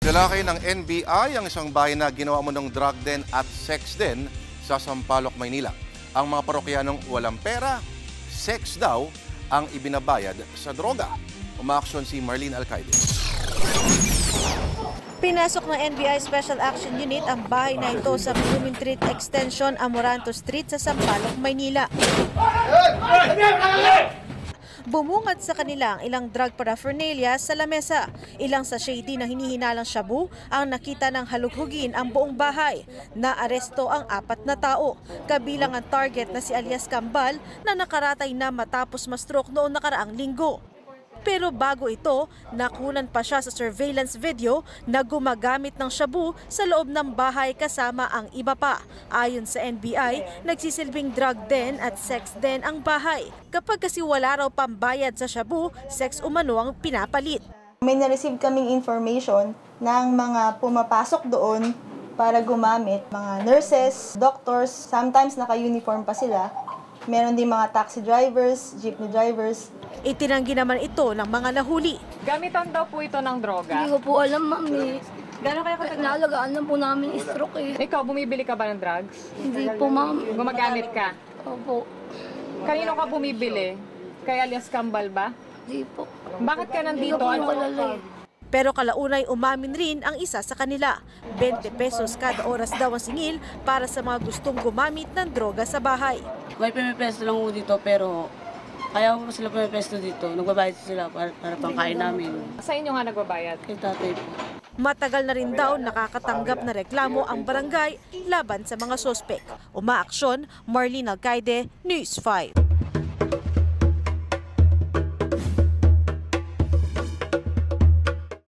Nilakay ng NBI ang isang bahay na ginawa mo ng drug den at sex den sa Sampaloc, Maynila. Ang mga parokyanong walang pera, sex daw ang ibinabayad sa droga. Umaaksyon si Marlene Alcaide. Pinasok ng NBI Special Action Unit ang bahay na ito sa Blooming Street Extension, Amoranto Street sa Sampaloc, Maynila. Bumungad sa kanila ang ilang drug paraphernalia sa lamesa. Ilang sachet din na hinihinalang shabu ang nakita ng halughugin ang buong bahay. Naaresto ang 4 na tao, kabilang ang target na si alias Kambal na nakaratay na matapos ma-stroke noong nakaraang linggo. Pero bago ito, nakunan pa siya sa surveillance video na gumagamit ng shabu sa loob ng bahay kasama ang iba pa. Ayon sa NBI, nagsisilbing drug den at sex den ang bahay. Kapag kasi wala raw pambayad sa shabu, sex umano ang pinapalit. May na-receive kaming information ng mga pumapasok doon para gumamit. Mga nurses, doctors, sometimes naka-uniform pa sila. Meron din mga taxi drivers, jeepney drivers. Itinanggi naman ito ng mga nahuli. Gamitan daw po ito ng droga? Hindi ko po alam, ma'am. Gano'n kayo katagal? Nalagaan lang po namin stroke eh. Ikaw, bumibili ka ba ng drugs? Hindi po, ma'am. Gumagamit ka? Opo. Kanino ka bumibili? Kay alias Kambal ba? Hindi po. Bakit ka nandito? Hindi ko po kilala eh. Pero kalaunay umamin rin ang isa sa kanila. 20 pesos kada oras daw ang singil para sa mga gustong gumamit ng droga sa bahay. May pumipesto lang po dito pero kaya po sila pumipesto dito. Nagbabayad sila para pangkain namin. Sa inyo nga nagbabayad? Kay tatay po. Matagal na rin daw nakakatanggap na reklamo ang barangay laban sa mga sospek. Umaaksyon, Marlene Alcaide, News 5.